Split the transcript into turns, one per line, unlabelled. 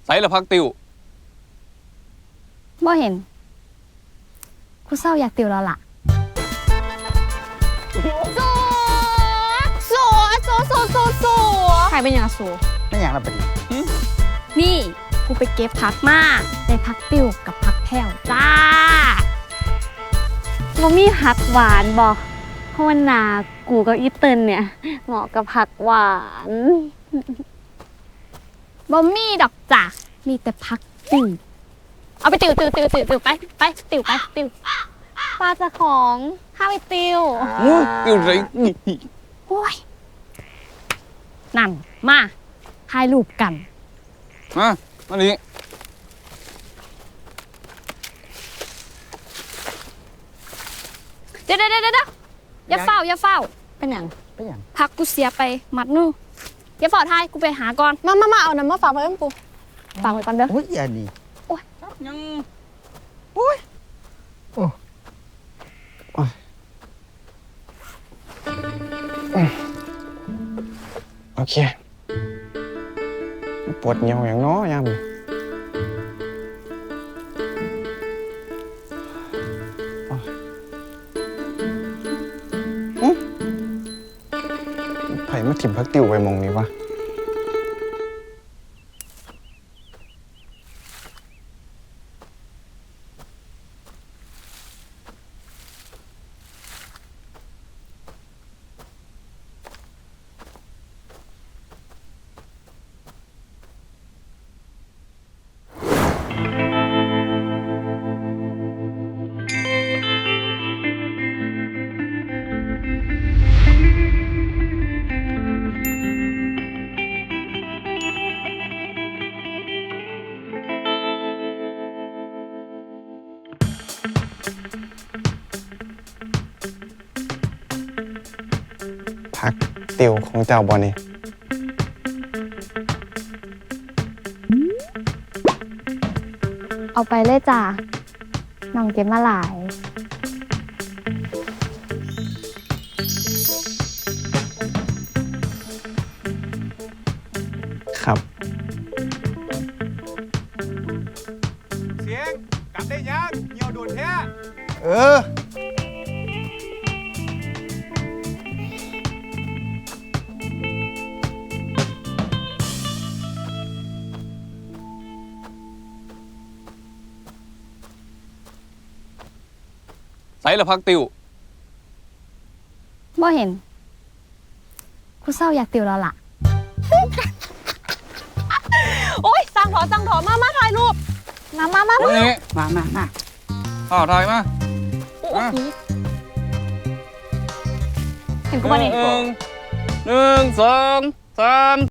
ใส่ละพักติว
บ่เห็นกูเศร้าอยากติวแล้วล่ะสัวใครเป็นอย่างสัว
ไม่อย่างละปะดิ
นี่กูไปเก็บพักมาได้พักติวกับพักแผ่วจ้าบ่มีผักหวานบ่เพราะว่านากูกับอีเติ้ลเนี่ยเหมาะกับผักหวานบ่มีดอกจ้ะมีแต่พักติวเอาไปติวไปติวไปติวปลาจะของข้าไปติว
ติวไร
โอ้ยนั่นมาถ่ายรูปกัน
มาดิ
เดี๋ยวอย่าเฝ้าเป็นอย่าง
เป็นอย่าง
พักกูเสียไปมัดนึงอย่าเฝ้าทายกูไปหาก่อน
มาเอาน้ำมาฝากไว้ให้ปู
ฝากไว้ก่อนเด้อ
โอ้ยอย่านี่
ยัง
โอ้ยโอเคปวดเหี่ยวอย่างน้อยามไผ่มาถิ่มพักติวไปมองนี้วะพักติวของเจ้าบอนี่
เอาไปเลยจ้าน้องเก็บมาหลาย
ครับ
เสียงกลับได้ยังเหี่ยวโดนแท้
เออ
ใส่ละพักติว
บ่เห็นกูเศร้าอยากติวแล้วล่ะ
โอ๊ยสั่งถอนมาถ่ายรูปมา
มา
มา
ถ่ายมา
เห็นกูบ่เนี่ย
หนึ่งสองสาม